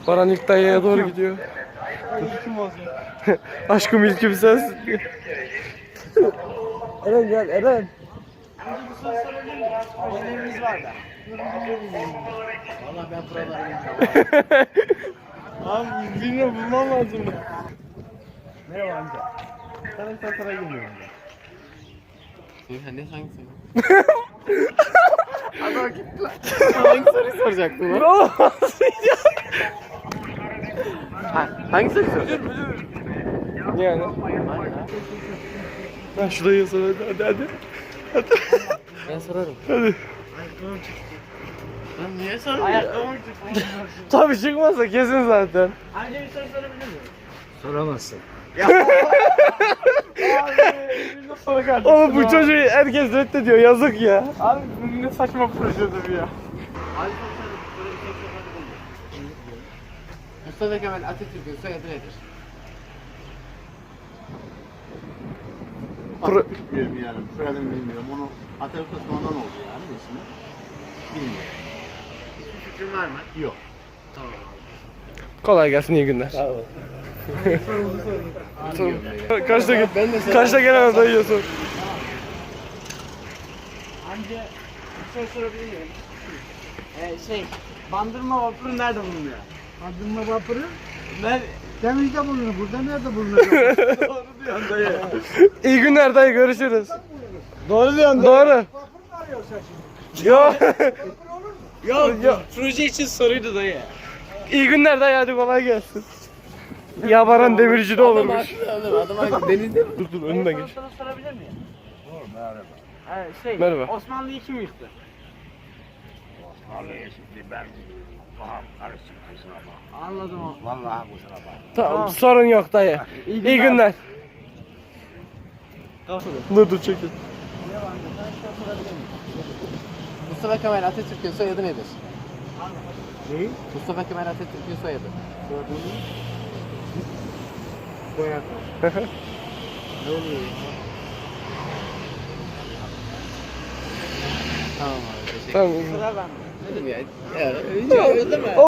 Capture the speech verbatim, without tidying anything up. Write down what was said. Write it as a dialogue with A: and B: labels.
A: Baran ilk dayıya doğru gidiyor.
B: Kim olacak?
A: Aşkım ilkim sensin diye. Eren gel Eren.
B: Önce bir soru sorabilir miyim? Ödevimiz var da. Valla ben buraları bilmiyorum. Abi bilmiyorum, bulmam lazım. Merhaba amca. Sana bir soru girmiyorum ben.
C: Sen ne hangi soru? Adam gitti lan. Hangi soruyu soracaktın lan?
A: Olmaz
C: Ha, hangi soruyu soracaktın?
A: yani. Ben şu dayıya sor hadi hadi hadi.
C: Ben sorarım.
A: Hadi.
C: Lan niye soruyorsun?
B: Ayakkabım çıktı.
A: Tabii çıkmazsa kesin zaten.
B: Amca bir soru sorabilir miyim?
C: Soramazsın.
A: Oğlum bu çocuğu herkes reddediyor yazık ya.
B: Abi bu ne saçma projedir ya.
C: Mustafa Kemal Atatürk'ün soyadı nedir?
A: Pro-
D: Bilmiyorum yani. Soyadını bilmiyorum. Onu Atatürk Osman'dan oldu yani ismi. Bilmiyorum.
C: Fikrin var mı?
D: Yok.
C: Tamam.
A: Kolay gelsin iyi günler. Kaçta git?
C: Ben de
A: Kaçta gelemem dayıya sor.
B: Amca bir soru sorabilir miyim? Ee, şey, Bandırma vapuru nerede bulunuyor?
D: Bandırma vapuru
B: Nerede?
D: Temizde bulunur. Burada nerede bulunur?
B: Doğru diyorsun dayı.
A: İyi günler dayı görüşürüz.
B: Doğru diyorsun
A: Doğru. Yok.
B: Yok,
A: Yok.
B: proje için soruydu dayı.
A: İyi günler dayı hadi kolay gelsin. Ya Baran demirci de olurmuş.
C: Adam adam adam denizde mi?
A: Dur dur önüne geç.
B: Soru sorabilir miyim? Merhaba. Ee, şey,
A: Merhaba.
B: Osmanlı'yı kim yıktı?
D: Vallahi şimdi ben kafam karışık kusura bakma.
B: Anladım o.
D: Vallahi kusura bakma.
A: Tamam sorun yok dayı. İyi günler. Dur dur çekil.
C: Mustafa Kemal Atatürk'ün soyadı nedir?
D: Ne?
C: Mustafa Kemal Atatürk'ün soyadı.
D: Soyadı.
C: Ne oluyor ya? Tamam abi teşekkür
A: Tamam.
B: Sıra bende.
C: ederim ya. Ya, ya öyle deme.